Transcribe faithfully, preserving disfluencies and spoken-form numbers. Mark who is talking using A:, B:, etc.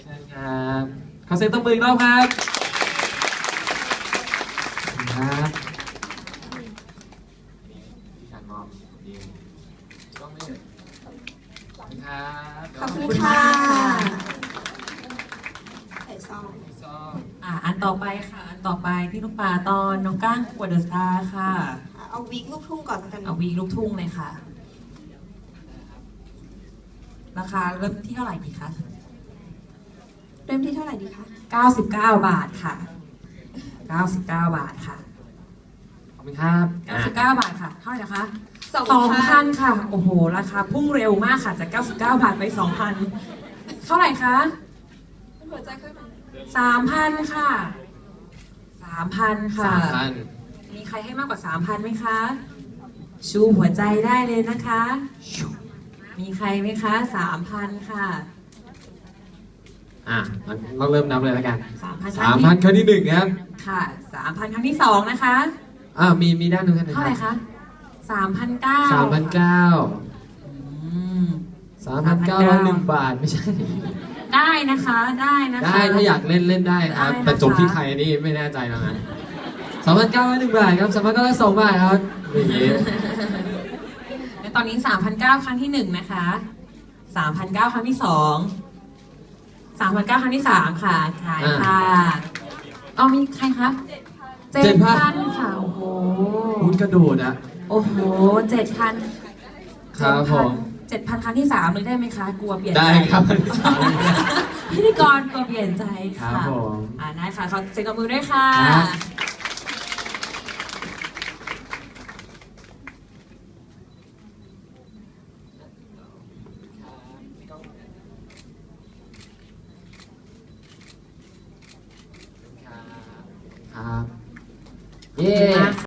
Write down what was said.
A: เชิญครับขอเสียงตบมืออีกรอบครับครับที่การมอบยิงต้องไม่เลยขอบคุณครับ
B: ขอบคุณค่ะใส่ซอง
A: ซอง
C: อ่าอันต่อไปค่ะอันต่อไปที่ลูกปลาตอนน้องก้างกวดเดอะสตาร์ค่ะ
B: เอาวิกลูกทุ่งก่อนแล้วกัน
C: เอาวีลูกทุ่งเลยค่ะ ราคาเริ่มที่เท่าไหร่ดีคะ
B: เริ่มที่เท่าไหร่ดีคะ
C: เก้าสิบเก้าบาทค่ะเก้าสิบเก้าบาทค่ะ
A: ขอบคุณครับ
C: เก้าสิบเก้าบาทค่ะเท่าไหร่นะคะ
B: สอง
C: สอง
B: พั
C: พั
B: น
C: นค่ะโอ้โหราคาพุ่งเร็วมากค่ะจากเก้าสิบเก้าบาทไปสองพันเท่าไหร่คะ
B: หัวใจขึ้นมา
C: สามพันค่ะสามพันค่ะ
A: สามพัน
C: มีใครให้มากกว่าสามพันไหมคะ ชูหัวใจได้เลยนะคะ มีใครไหมคะสามพันค่ะ
A: อ่ะเราเริ่มนับเลยแล้วกัน
C: สามพัน
A: สามพันครั้งที่หนึ่งครับ
C: ค่ะสามพันครั้งที่สองนะคะ
A: อ่ามีมีด้านหนึ่งกันนะ
C: เท่าไหร่คะสามพันเก้า
A: สามพันเก้า
C: อืม
A: สามพันเก้าร้อยหนึ่งบาทไม่ใช่
C: ได้นะคะได้นะคะ
A: ได้ถ้าอยากเล่นเล่นได้ครับ
C: ได้นะคะ
A: แต่จบที่ใครนี่ไม่แน่ใจแล้วนะสามพันเก้าร้อยหนึ่งบาทครับสามพันเก้าร้อยสองบาทครับอย่างนี้
C: และตอนนี้สามพันเก้าครั้งที่หนึ่งนะคะสามพันเก้าครั้งที่สองสามพันเก้าครั้งที่สามค่ะขายค่ะเอามีใครคะเจ็ดพันค่ะโอ้โห
A: คุณกระโดดอะ
C: โอ้โหเจ็ดพัน
A: ครับผม
C: เจ็ดพันครั้งที่สามเลยได้ไหมคะ กลัวเปลี่ยนใจ
A: ได้ครับ
C: พิธีกรกลัวเปลี่ยนใจค่ะ
A: ครับผม
C: อ่าได้ค่ะขอเซ็นกับมือด้วยค่ะ
A: ครับ ครับ เย้